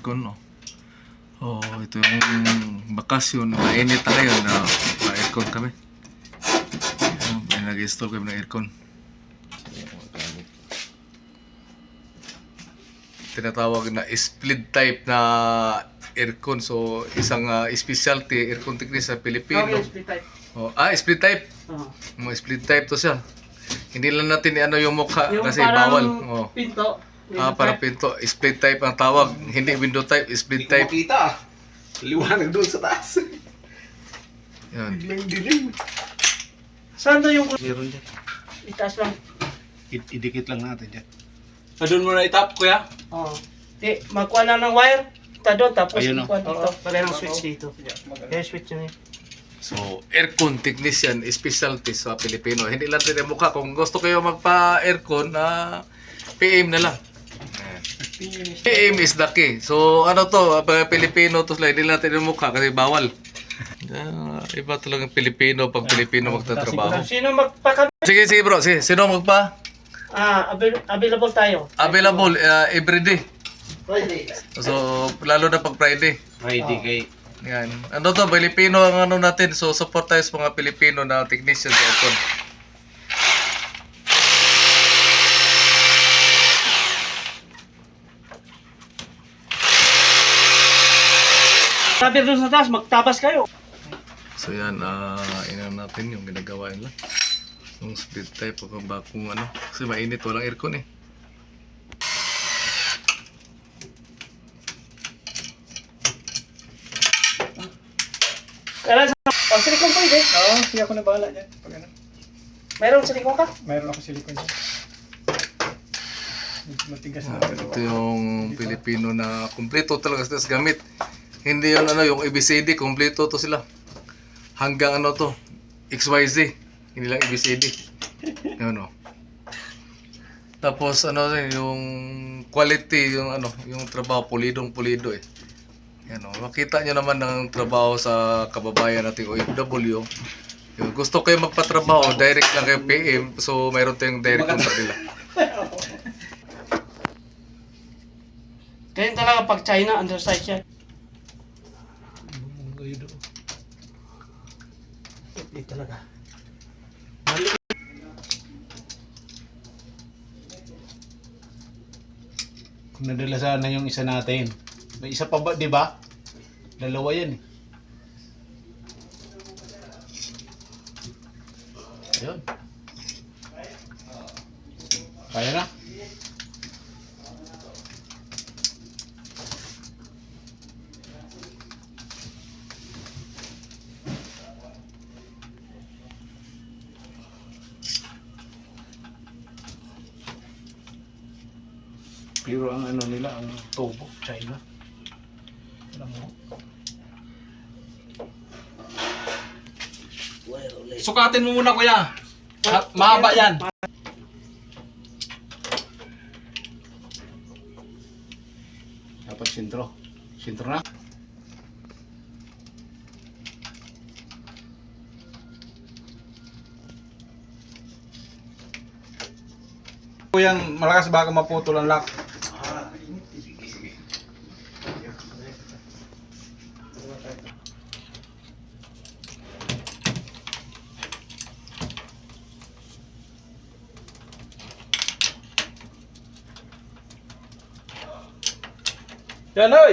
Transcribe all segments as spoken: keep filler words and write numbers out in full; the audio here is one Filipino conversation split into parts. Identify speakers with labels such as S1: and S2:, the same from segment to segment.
S1: aircon, no? Oh, ito yung bakasyon. Mainit na ngayon na ma-aircon kami. Ayan, may nag-install kami ng aircon. Tinatawag na split type na aircon. So, isang uh, specialty aircon technique sa Pilipino.
S2: Okay, split type.
S1: Oh, ah, split type.
S2: Oo.
S1: Mga split type to siya. Hindi lang natin ano yung mukha
S2: Yung
S1: kasi
S2: parang
S1: bawal. Oh.
S2: pinto.
S1: Ah, para pinto. Split type ang tawag. Hindi window type, split
S3: Hindi ko
S1: type.
S3: makita. Liwanag doon sa taas.
S1: Yan.
S3: Biglang dilim.
S2: Saan to yung
S3: Meron dyan.
S2: itaas lang?
S3: I- idikit lang natin dyan.
S4: Ah, doon mo na itap, kuya?
S2: Oo. Di, magkuha na ng wire. Ita doon, tapos
S3: Ayun,
S2: ikuha dito.
S4: Oo.
S2: Pagay ng switch dito. Kaya switch yun eh.
S1: So, aircon technician, specialty sa Pilipino. Hindi lang din yung mukha. Kung gusto kayo magpa-aircon, na P M na lang. P M is the key. So, ano to, pag Pilipino to sila, hindi lang natin yung mukha kasi bawal. Ah, iba talaga ang Pilipino pag Pilipino magtatrabaho.
S2: Sino magpaka...
S1: Sige, sige bro. Sige, sino magpa?
S2: Ah, avail- available tayo.
S1: Available uh, everyday.
S2: Friday.
S1: So, lalo na pag Friday.
S3: Friday kay...
S1: Yan. Ano to, Pilipino ang ano natin. So, support tayo sa mga Pilipino na technician sa aircon.
S2: Sabi doon sa taas, magtabas kayo.
S1: So yan, ah inan natin yung ginagawa nila. Yung split type o kung ano. Kasi mainit, walang aircon eh.
S2: Kailan sa... Oh, silikon pwede.
S5: Oo, sige ako na bahala dyan. Pag ano,
S2: Mayroong silikon ka?
S5: mayroon ako silikon dyan. Matigas na.
S1: Ah, ito yung Pilipino na kumpleto talaga sa gamit. Hindi yun ano, yung A B C D, kumpleto to sila. Hanggang ano to, X Y Z. Hindi lang A B C D. Yun o. Tapos ano rin, yung quality, yung ano, yung trabaho, pulidong pulido eh. Yan o, makita nyo naman ng trabaho sa kababayan nating O F W. Yung gusto kayo magpatrabaho, direct lang kayo P M. So, mayroon tayong direct contact nila.
S2: Ganyan talaga pag China, undersize yan. Hindi talaga.
S3: Kung nadala sana yung isa natin. May isa pa ba, di ba? Dalawa yan eh. Ayun. Kaya na? Pero ang ano nila, ang tubo, China. Alam mo.
S4: Sukatin mo muna, kuya. Ha- mahaba yan.
S3: Dapat sintro. Sintro na.
S4: Kuyang malakas baka maputol ang lock. Yan, oy!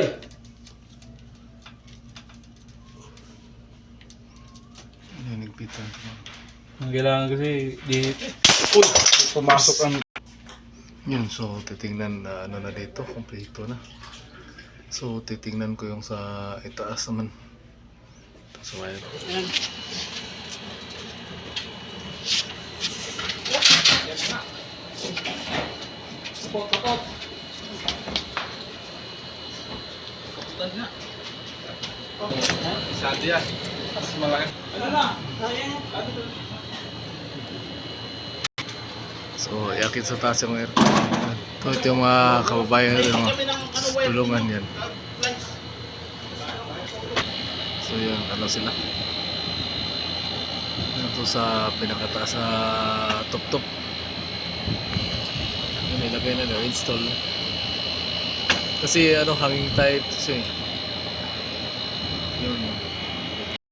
S1: Nanigpitan ko.
S4: Ang kailangan kasi di... Uy! Pumasok ang...
S1: Yun, so titingnan na ano na dito, kompleto na. So titingnan ko yung sa itaas naman. So ayun.
S4: Support, support! Kaputan nga. Sabi yan. Mas malaki. Ano na?
S1: So yakit sa taas yung aircon. So ito yung mga kababayan natin, mga tulungan yan. So yun, ano sila. Ito sa pinakataas sa top-top. Nilagay na na, install. Kasi ano, hanging tight kasi. Yun.